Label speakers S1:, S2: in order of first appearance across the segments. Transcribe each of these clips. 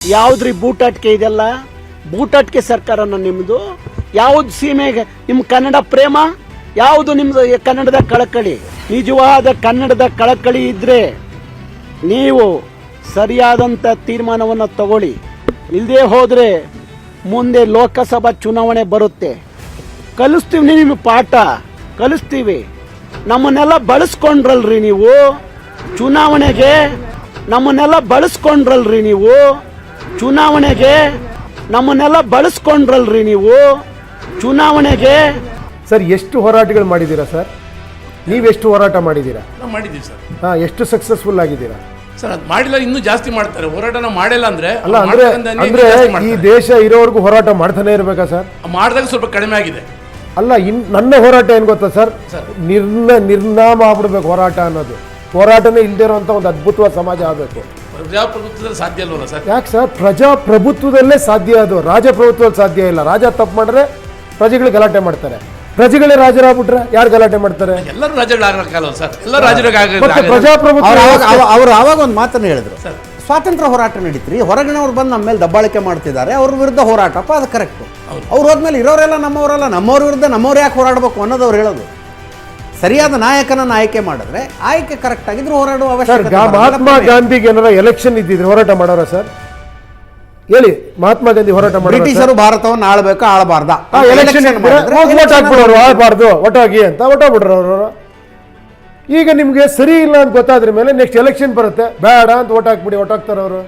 S1: ಯಾವ್ದ್ರಿ ಬೂಟಾಟಿಕೆ ಇದೆಲ್ಲ? ಬೂಟಾಟಿಕೆ ಸರ್ಕಾರನ ನಿಮ್ದು? ಯಾವ್ದು ಸೀಮೆಗೆ ನಿಮ್ ಕನ್ನಡ ಪ್ರೇಮ? ಯಾವುದು ನಿಮ್ದು ಕನ್ನಡದ ಕಳಕಳಿ? ನಿಜವಾದ ಕನ್ನಡದ ಕಳಕಳಿ ಇದ್ರೆ ನೀವು ಸರಿಯಾದಂತ ತೀರ್ಮಾನವನ್ನು ತಗೊಳ್ಳಿ. ಇಲ್ಲದೆ ಹೋದ್ರೆ ಮುಂದೆ ಲೋಕಸಭಾ ಚುನಾವಣೆ ಬರುತ್ತೆ. ಕಲಿಸ್ತೀವಿ, ನಿಮಗೆ ಪಾಠ ಕಲಿಸ್ತೀವಿ. ನಮ್ಮನ್ನೆಲ್ಲ ಬಳಸ್ಕೊಂಡ್ರಲ್ರಿ ನೀವು ಚುನಾವಣೆಗೆ. ನಮ್ಮನ್ನೆಲ್ಲ ಬಳಸ್ಕೊಂಡ್ರಲ್ರಿ ನೀವು ಚುನಾವಣೆಗೆ. ನಮ್ಮನ್ನೆಲ್ಲ ಬಳಸ್ಕೊಂಡ್ರಲ್ರಿ ನೀವು ಚುನಾವಣೆಗೆ.
S2: ಸರ್, ಎಷ್ಟು ಹೋರಾಟಗಳು ಮಾಡಿದ್ದೀರಾ ಸರ್? ನೀವೆಷ್ಟು ಹೋರಾಟ ಮಾಡಿದ್ದೀರಾ?
S3: ನಾವು ಮಾಡಿದ್ದೀವಿ ಸರ್.
S2: ಹಾಂ, ಎಷ್ಟು ಸಕ್ಸಸ್ಫುಲ್ ಆಗಿದ್ದೀರಾ
S3: ಸರ್? ಅದು ಮಾಡಿಲ್ಲ, ಇನ್ನೂ ಜಾಸ್ತಿ ಮಾಡ್ತಾರೆ. ಹೋರಾಟನ ಮಾಡಿಲ್ಲ ಅಂದ್ರೆ
S2: ಅಲ್ಲ ಅಂದ್ರೆ ಈ ದೇಶ ಇರೋವರೆಗೂ ಹೋರಾಟ ಮಾಡ್ತಾನೆ ಇರ್ಬೇಕಾ ಸರ್?
S3: ಮಾಡಿದಾಗ ಸ್ವಲ್ಪ ಕಡಿಮೆ ಆಗಿದೆ.
S2: ಅಲ್ಲ, ನನ್ನ ಹೋರಾಟ ಏನ್ ಗೊತ್ತಾ ಸರ್? ನಿರ್ನಾಮ ಆಗ್ಬಿಡ್ಬೇಕು ಹೋರಾಟ ಅನ್ನೋದು. ಹೋರಾಟನೇ ಇಲ್ದೇ ಇರುವಂತ ಒಂದು ಅದ್ಭುತವಾದ ಸಮಾಜ ಆಗಬೇಕು.
S3: ಪ್ರಜಾಪ್ರಭುತ್ವದಲ್ಲಿ ಸಾಧ್ಯ ಅಲ್ವಲ್ಲ ಸರ್?
S2: ಯಾಕೆ ಸರ್? ಪ್ರಜಾಪ್ರಭುತ್ವದಲ್ಲೇ ಸಾಧ್ಯ ಅದು, ರಾಜಪ್ರಭುತ್ವದಲ್ಲಿ ಸಾಧ್ಯ ಇಲ್ಲ. ರಾಜ ತಪ್ಪು ಮಾಡಿದ್ರೆ ಪ್ರಜೆಗಳು ಗಲಾಟೆ ಮಾಡ್ತಾರೆ. ಪ್ರಜೆಗಳೇ ರಾಜರಾಗ್ಬಿಟ್ರೆ ಯಾರು ಗಲಾಟೆ ಮಾಡ್ತಾರೆ?
S3: ಎಲ್ಲರೂ ರಾಜಗಳಾಗಲ್ಲ ಸರ್. ಎಲ್ಲ ರಾಜರಿಗೆ
S2: ಪ್ರಜಾಪ್ರಭುತ್ವ
S4: ಅವರು ಆವಾಗ ಒಂದು ಮಾತನ್ನು ಹೇಳಿದ್ರು ಸರ್, ಸ್ವಾತಂತ್ರ್ಯ ಹೋರಾಟ ನಡೀತ್ರಿ, ಹೊರಗಿನವ್ರು ಬಂದು ನಮ್ಮ ಮೇಲೆ ದಬ್ಬಾಳಿಕೆ ಮಾಡ್ತಿದ್ದಾರೆ, ಅವ್ರ ವಿರುದ್ಧ ಹೋರಾಟಪ್ಪ, ಅದು ಕರೆಕ್ಟು. ಅವ್ರು ಹೋದ್ಮೇಲೆ ಇರೋರೆಲ್ಲ ನಮ್ಮವರೆಲ್ಲ, ನಮ್ಮವ್ರ ವಿರುದ್ಧ ನಮ್ಮವ್ರು ಯಾಕೆ ಹೋರಾಡಬೇಕು ಅನ್ನೋದು ಅವ್ರು ಹೇಳೋದು. ಸರಿಯಾದ ನಾಯಕನನ್ನು ಆಯ್ಕೆ ಮಾಡಿದ್ರೆ ಆಯ್ಕೆ ಕರೆಕ್ಟ್ ಆಗಿದ್ರು ಹೋರಾಡುವ ಅವಶ್ಯಕತೆ.
S2: ಮಹಾತ್ಮ ಗಾಂಧಿಗೆ ಏನಾರ ಎಲೆಕ್ಷನ್ ಇದ್ದಿದ್ರೆ ಹೋರಾಟ ಮಾಡೋರ ಸರ್? ಹೇಳಿ, ಮಹಾತ್ಮ ಗಾಂಧಿ ಹೋರಾಟ ಮಾಡಿ
S4: ಬ್ರಿಟಿಷರು ಭಾರತವನ್ನು ಆಳ್ಬೇಕು, ಆಳಬಾರ್ದ,
S2: ಎಲೆಕ್ಷನ್ ಹಾಕ್ಬಿಡೋರು, ಆಳ್ಬಾರ್ದು, ಒಟ್ಟಾಗಿ ಅಂತ ಒಟ್ಟಾಗ್ಬಿಡ್ರು ಅವರು. ಈಗ ನಿಮ್ಗೆ ಸರಿ ಇಲ್ಲ ಅಂತ ಗೊತ್ತಾದ್ರ ಮೇಲೆ ನೆಕ್ಸ್ಟ್ ಎಲೆಕ್ಷನ್ ಬರುತ್ತೆ, ಬೇಡ ಅಂತ ಓಟ್ ಹಾಕ್ಬಿಡಿ, ಒಟ್ಟಾಗ್ತಾರ ಅವರು.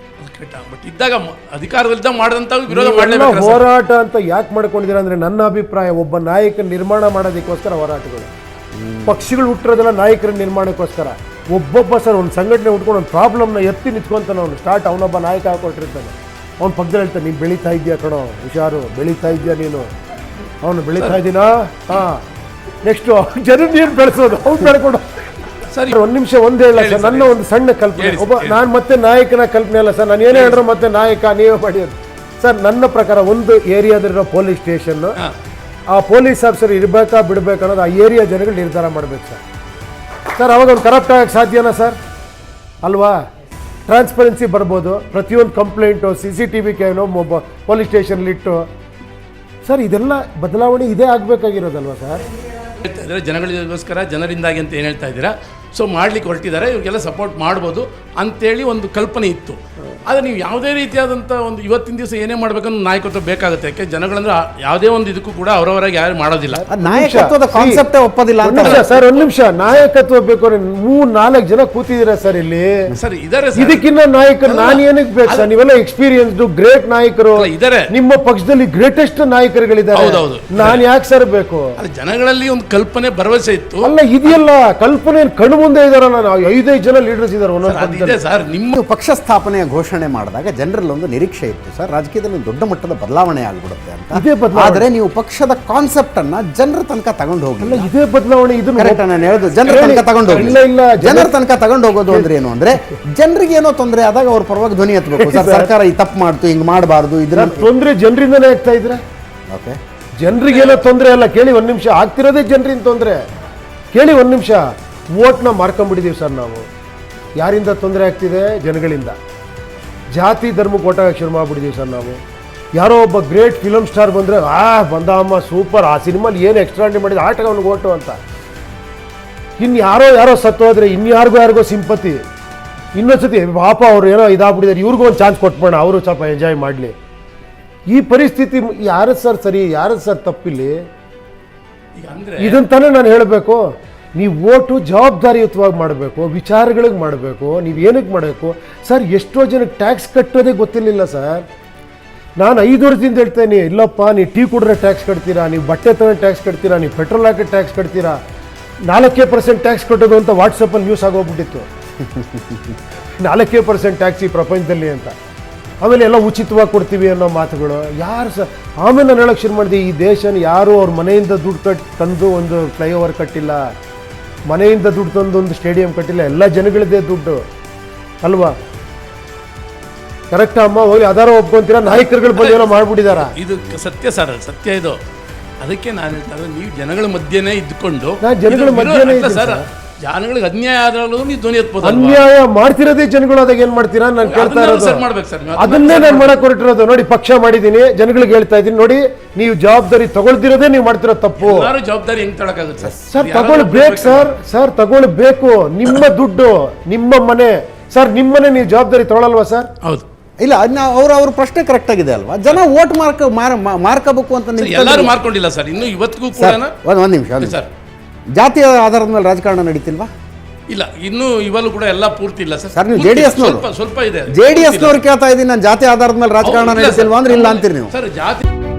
S3: ಬಟ್ ಇದ್ದಾಗ ಅಧಿಕಾರದಲ್ಲಿದ್ದಾಗ ಮಾಡಿದಂತ ವಿರೋಧ ಮಾಡಲೇಬೇಕು.
S2: ಹೋರಾಟ ಅಂತ ಯಾಕೆ ಮಾಡ್ಕೊಂಡಿದ್ದೀರಾ ಅಂದ್ರೆ, ನನ್ನ ಅಭಿಪ್ರಾಯ, ಒಬ್ಬ ನಾಯಕ ನಿರ್ಮಾಣ ಮಾಡೋದಕ್ಕೋಸ್ಕರ ಹೋರಾಟಗಳು. ಪಕ್ಷಗಳು ಹುಟ್ಟಿರೋದೆಲ್ಲ ನಾಯಕರ ನಿರ್ಮಾಣಕ್ಕೋಸ್ಕರ. ಒಬ್ಬೊಬ್ಬ ಸರ್ ಒಂದು ಸಂಘಟನೆ ಉಟ್ಕೊಂಡು ಒಂದು ಪ್ರಾಬ್ಲಮ್ನ ಎತ್ತಿ ನಿಂತ್ಕೊಂತಾನೆ ಅವನು. ಸ್ಟಾರ್ಟ್ ಅವನೊಬ್ಬ ನಾಯಕ ಹಾಕೊಟ್ಟಿರ್ತಾನೆ. ಅವ್ನ ಪಕ್ಕದಲ್ಲಿ ಹೇಳ್ತಾನೆ, ನೀನು ಬೆಳೀತಾ ಇದೆಯಾ ಕಣೋ, ಹುಷಾರು, ಬೆಳೀತಾ ಇದೆಯಾ ನೀನು. ಅವನು ಬೆಳೀತಾ ಇದ್ದೀನಾ? ಹಾಂ, ನೆಕ್ಸ್ಟು ಜನ ನೀನು ಬೆಳೆಸೋದು, ಅವ್ನು ಬೆಳ್ಕೊಡು.
S3: ಸರಿ,
S2: ಒಂದು ನಿಮಿಷ ಒಂದೇ ಹೇಳ ಸರ್, ನನ್ನ ಒಂದು ಸಣ್ಣ ಕಲ್ಪನೆ. ನಾನು ಮತ್ತೆ ನಾಯಕನ ಕಲ್ಪನೆ ಅಲ್ಲ ಸರ್, ನಾನು ಏನೇ ಹೇಳಿದ್ರು ಮತ್ತೆ ನಾಯಕ ನೀವೇ ಮಾಡಿ ಸರ್. ನನ್ನ ಪ್ರಕಾರ ಒಂದು ಏರಿಯಾದಲ್ಲಿರೋ ಪೊಲೀಸ್ ಸ್ಟೇಷನ್, ಆ ಪೊಲೀಸ್ ಆಫೀಸರ್ ಇರಬೇಕಾ ಬಿಡಬೇಕು ಅನ್ನೋದು ಆ ಏರಿಯಾ ಜನಗಳು ನಿರ್ಧಾರ ಮಾಡಬೇಕು ಸರ್. ಸರ್, ಅವಾಗ ಒಂದು ಕರಪ್ಟ್ ಆಗಕ್ಕೆ ಸಾಧ್ಯನಾ ಸರ್? ಅಲ್ವಾ? ಟ್ರಾನ್ಸ್ಪರೆನ್ಸಿ ಬರ್ಬೋದು. ಪ್ರತಿಯೊಂದು ಕಂಪ್ಲೇಂಟು CCTV ಕ್ಯಾಮ್ರಾ ಪೊಲೀಸ್ ಸ್ಟೇಷನ್ಲಿಟ್ಟು ಸರ್, ಇದೆಲ್ಲ ಬದಲಾವಣೆ ಇದೇ ಆಗಬೇಕಾಗಿರೋದಲ್ವಾ ಸರ್?
S3: ಜನಗಳಿಗೋಸ್ಕರ, ಜನರಿಂದಾಗಿ ಅಂತ ಏನು ಹೇಳ್ತಾ ಇದ್ದೀರಾ? ಸೊ ಮಾಡ್ಲಿಕ್ಕೆ ಹೊರಟಿದ್ದಾರೆ, ಇವ್ರಿಗೆಲ್ಲ ಸಪೋರ್ಟ್ ಮಾಡ್ಬೋದು ಅಂತೇಳಿ ಒಂದು ಕಲ್ಪನೆ ಇತ್ತು. ಆದರೆ ನೀವು ಯಾವುದೇ ರೀತಿಯಾದಂಥ ಒಂದು ಇವತ್ತಿನ ದಿವಸ ಏನೇ ಮಾಡಬೇಕನ್ನೋ ನಾಯಕತ್ವ ಬೇಕಾಗುತ್ತೆ. ಯಾಕೆ ಜನಗಳಂದ್ರೆ ಯಾವುದೇ ಒಂದು ಇದಕ್ಕೂ ಕೂಡ ಅವರವರಾಗಿ ಯಾರು ಮಾಡೋದಿಲ್ಲ.
S4: ನಾಯಕತ್ವದ ಕಾನ್ಸೆಪ್ಟೇ ಒಪ್ಪೋದಿಲ್ಲ ಅಂತ
S2: ಸರ್. ಒಂದು ನಿಮಿಷ, ನಾಯಕತ್ವ ಬೇಕು ಅಂದ್ರೆ 3-4 ಜನ ಕೂತಿದ್ದೀರಾ ಸರ್ ಇಲ್ಲಿ.
S3: ಸರ್ ಇದಾರೆ,
S2: ಇದಕ್ಕಿನ್ನ ನಾಯಕರು ನಾನು ಏನಕ್ಕೆ ಬೇಕು ಸರ್? ನೀವೆಲ್ಲ ಎಕ್ಸ್ಪೀರಿಯನ್ಸ್ಡ್ ಗ್ರೇಟ್ ನಾಯಕರು
S3: ಇದಾರೆ.
S2: ನಿಮ್ಮ ಪಕ್ಷದಲ್ಲಿ ಗ್ರೇಟೆಸ್ಟ್ ನಾಯಕರುಗಳಿದ್ದಾರೆ.
S3: ಹೌದೌದು.
S2: ನಾನು ಯಾಕೆ ಸರ್ ಬೇಕು?
S3: ಜನಗಳಲ್ಲಿ ಒಂದು ಕಲ್ಪನೆ, ಭರವಸೆ ಇತ್ತು.
S2: ಅಲ್ಲ, ಇದೆಯಲ್ಲ ಕಲ್ಪನೆ ಕಣ್ಣು ಮುಂದೆ ಇದಾರಲ್ಲ. ನಾವು 5 ಜನ ಲೀಡರ್ಸ್ ಇದ್ದಾರೆ ಒಂದೊಂದು.
S4: ಸರ್, ನಿಮ್ಮ ಪಕ್ಷ ಸ್ಥಾಪನೆಯ ಘೋಷಣೆ ಮಾಡಿದಾಗ ಜನರಲ್ಲಿ ಒಂದು ನಿರೀಕ್ಷೆ ಇತ್ತು ಸರ್, ರಾಜಕೀಯದಲ್ಲಿ ಒಂದು ದೊಡ್ಡ ಮಟ್ಟದ ಬದಲಾವಣೆ ಆಗ್ಬಿಡುತ್ತೆ ಅಂತ. ಆದ್ರೆ ನೀವು ಪಕ್ಷದ ಕಾನ್ಸೆಪ್ಟ್ ಅನ್ನ ಜನರ ತನಕ ತಗೊಂಡು ಹೋಗಿಲ್ಲ.
S2: ಇದೇ ಬದಲಾವಣೆ. ಇದು
S4: ಕರೆಕ್ಟ್ ನಾನು ಹೇಳುದು, ಜನರ ತನಕ ತಗೊಂಡು ಹೋಗಿಲ್ಲ. ಜನರ ತನಕ ತಗೊಂಡು ಹೋಗೋದು ಅಂದ್ರೆ ಏನು ಅಂದ್ರೆ, ಜನರಿಗೆ ಏನೋ ತೊಂದರೆ ಆದಾಗ ಅವ್ರ ಪರವಾಗಿ ಧ್ವನಿ ಎತ್ತಬೇಕು. ಸರ್, ಸರ್ಕಾರ ಈ ತಪ್ಪು ಮಾಡ್ತು, ಹಿಂಗ್ ಮಾಡಬಾರ್ದು, ಇದ್ರ
S2: ತೊಂದರೆ ಜನರಿಂದನೇ ಆಗ್ತಾ ಇದ್ರೆ.
S4: ಓಕೆ,
S2: ಜನರಿಗೇನೋ ತೊಂದರೆ ಅಲ್ಲ, ಕೇಳಿ ಒಂದು ನಿಮಿಷ. ಆಗ್ತಿರೋದೇ ಜನರಿಂದ ತೊಂದರೆ. ಕೇಳಿ ಒಂದು ನಿಮಿಷ. ವೋಟ್ನ ಮಾರ್ಕೊಂಡ್ಬಿಟ್ಟಿದೀವಿ ಸರ್ ನಾವು. ಯಾರಿಂದ ತೊಂದರೆ ಆಗ್ತಿದೆ? ಜನಗಳಿಂದ. ಜಾತಿ ಧರ್ಮಕ್ಕೆ ಓಟ್ ಹಾಕಕ್ಕೆ ಶುರು ಮಾಡ್ಬಿಟ್ಟಿದೀವಿ ಸರ್ ನಾವು. ಯಾರೋ ಒಬ್ಬ ಗ್ರೇಟ್ ಫಿಲಮ್ ಸ್ಟಾರ್ ಬಂದರೆ, ಬಂದಮ್ಮ ಸೂಪರ್, ಆ ಸಿನಿಮಾಲಿ ಏನು ಎಕ್ಸ್ಟ್ರಾಂಡಿ ಮಾಡಿದ, ಆಟಕ್ಕೆ ಅವ್ನಿಗೆ ಓಟು ಅಂತ. ಇನ್ನು ಯಾರೋ ಸತ್ತೋದ್ರೆ ಯಾರಿಗೋ ಸಿಂಪತಿ. ಇನ್ನೊಂದ್ಸತಿ ಪಾಪ ಅವ್ರು ಏನೋ ಇದಾಗ್ಬಿಟ್ಟಿದ್ದಾರೆ, ಇವ್ರಿಗೂ ಒಂದು ಚಾನ್ಸ್ ಕೊಟ್ಬೋಣ, ಅವರು ಸ್ವಲ್ಪ ಎಂಜಾಯ್ ಮಾಡಲಿ. ಈ ಪರಿಸ್ಥಿತಿ ಯಾರದ್ದು ಸರ್ ಸರಿ, ಯಾರದ್ದು ಸರ್ ತಪ್ಪಿಲ್ಲಿ? ಇದನ್ನು ತಾನೇ ನಾನು ಹೇಳಬೇಕು. ನೀವು ಓಟು ಜವಾಬ್ದಾರಿಯುತವಾಗಿ ಮಾಡಬೇಕು, ವಿಚಾರಗಳಿಗೆ ಮಾಡಬೇಕು. ನೀವು ಏನಕ್ಕೆ ಮಾಡಬೇಕು ಸರ್? ಎಷ್ಟೋ ಜನಕ್ಕೆ ಟ್ಯಾಕ್ಸ್ ಕಟ್ಟೋದೇ ಗೊತ್ತಿರಲಿಲ್ಲ ಸರ್. ನಾನು 5 ವರ್ಷದಿಂದ ಹೇಳ್ತೇನೆ, ಇಲ್ಲಪ್ಪ ನೀವು ಟೀ ಕುಡಿದ್ರೆ ಟ್ಯಾಕ್ಸ್ ಕಟ್ತೀರಾ, ನೀವು ಬಟ್ಟೆ ತಗೊಂಡು ಟ್ಯಾಕ್ಸ್ ಕಟ್ತೀರಾ, ನೀವು ಪೆಟ್ರೋಲ್ ಹಾಕಿ ಟ್ಯಾಕ್ಸ್ ಕಟ್ತೀರಾ. 4% ಟ್ಯಾಕ್ಸ್ ಕಟ್ಟೋದು ಅಂತ ವಾಟ್ಸಪ್ಪಲ್ಲಿ ನ್ಯೂಸ್ ಆಗೋಗ್ಬಿಟ್ಟಿತ್ತು. 4% ಟ್ಯಾಕ್ಸ್ ಈ ಪ್ರಪಂಚದಲ್ಲಿ ಅಂತ. ಆಮೇಲೆ ಎಲ್ಲ ಉಚಿತವಾಗಿ ಕೊಡ್ತೀವಿ ಅನ್ನೋ ಮಾತುಗಳು. ಯಾರು ಸರ್? ಆಮೇಲೆ ನಾನು ಹೇಳೋಕ್ಕೆ ಶುರು ಮಾಡಿದೆ, ಈ ದೇಶನ ಯಾರು ಅವ್ರ ಮನೆಯಿಂದ ದುಡ್ಡು ತಂದು ಒಂದು ಫ್ಲೈಓವರ್ ಕಟ್ಟಿಲ್ಲ, ಮನೆಯಿಂದ ದುಡ್ಡು ತಂದು ಒಂದು ಸ್ಟೇಡಿಯಂ ಕಟ್ಟಿಲ್ಲ. ಎಲ್ಲ ಜನಗಳದ್ದೇ ದುಡ್ಡು ಅಲ್ವಾ? ಕರೆಕ್ಟ್ ಅಮ್ಮ? ಹೋಗಿ ಅದಾರ ಒಪ್ಕೊಂತೀರಾ? ನಾಯಕರುಗಳು ಬಂದು ಏನೋ ಮಾಡ್ಬಿಟ್ಟಿದಾರ.
S3: ಇದು ಸತ್ಯ ಸರ್, ಸತ್ಯ ಇದು. ಅದಕ್ಕೆ ನಾನು ಹೇಳ್ತಾ, ನೀವು ಜನಗಳ ಮಧ್ಯೆನೇ ಇದ್ದುಕೊಂಡು
S2: ಜನಗಳ ಮಧ್ಯೆನೇ
S3: ಸರ್ ಜನಗಳಿಗೆ ಅನ್ಯಾಯ ಆದ್ರೂ ನೀವು ಧ್ವನಿ ಎತ್ಬೋದು
S2: ಅನ್ಯಾಯ ಮಾಡ್ತಿರೋದೇ ಜನಗಳು ಅದಾಗ ಏನ್ ಮಾಡ್ತೀರಾ ನಾನು ಕೇಳ್ತಾ ಇರೋದು
S3: ಸರ್ ಮಾಡ್ಬೇಕು ಸರ್
S2: ಅದನ್ನೇ ನಾನು ಮಾಡಕ್ ಹೊರಟಿರೋದು. ನೋಡಿ, ಪಕ್ಷ ಮಾಡಿದೀನಿ, ಜನಗಳಿಗೆ ಹೇಳ್ತಾ ಇದ್ದೀನಿ, ನೋಡಿ ನೀವು ಜವಾಬ್ದಾರಿ ತಗೊಳ್ದಿರೋದೇ ನೀವು ಮಾಡ್ತಿರೋ ತಪ್ಪು.
S3: ಎಲ್ಲರೂ ಜವಾಬ್ದಾರಿ ಹೆಂಗ್ ತಗೊಳಕಾಗುತ್ತೆ
S2: ಸರ್ ತಗೊಳ್ಬೇಕು ಸರ್ ತಗೊಳ್ಬೇಕು. ನಿಮ್ಮ ದುಡ್ಡು, ನಿಮ್ಮ ಮನೆ ಸರ್, ನಿಮ್ಮನೆ ನೀವು ಜವಾಬ್ದಾರಿ ತಗೊಳಲ್ವಾ ಸರ್?
S3: ಹೌದು.
S4: ಇಲ್ಲ ಅದನ್ನ ಅವ್ರ ಪ್ರಶ್ನೆ ಕರೆಕ್ಟ್ ಆಗಿದೆ ಅಲ್ವಾ? ಜನ ವೋಟ್ ಮಾರ್ಕಬೇಕು ಅಂತ
S3: ಎಲ್ಲರೂ ಮಾರ್ಕೊಂಡಿಲ್ಲ ಸರ್, ಇನ್ನು ಇವತ್ತಿಗೂ ಕೂಡ
S4: ಒಂದ್ ನಿಮಿಷ
S3: ಸರ್,
S4: ಜಾತಿಯ ಆಧಾರದ ಮೇಲೆ ರಾಜಕಾರಣ ನಡೀತಿಲ್ವಾ?
S3: ಇಲ್ಲ, ಇನ್ನು ಇವಲ್ಲೂ ಕೂಡ ಎಲ್ಲ ಪೂರ್ತಿ ಇಲ್ಲ ಸರ್.
S4: ಸರ್ ನೀವು ಜೆಡಿಎಸ್ನವರು
S3: ಸ್ವಲ್ಪ ಇದೆ.
S4: ಜೆಡಿಎಸ್ನವ್ರು ಕೇಳ್ತಾ ಇದ್ದೀನಿ, ನಾನು ಜಾತಿ ಆಧಾರದ ಮೇಲೆ ರಾಜಕಾರಣ ನಡೀತಿಲ್ವಾ ಅಂದ್ರೆ ಇಲ್ಲ ಅಂತೀರಿ ನೀವು.
S3: ಸರ್ ಜಾತಿ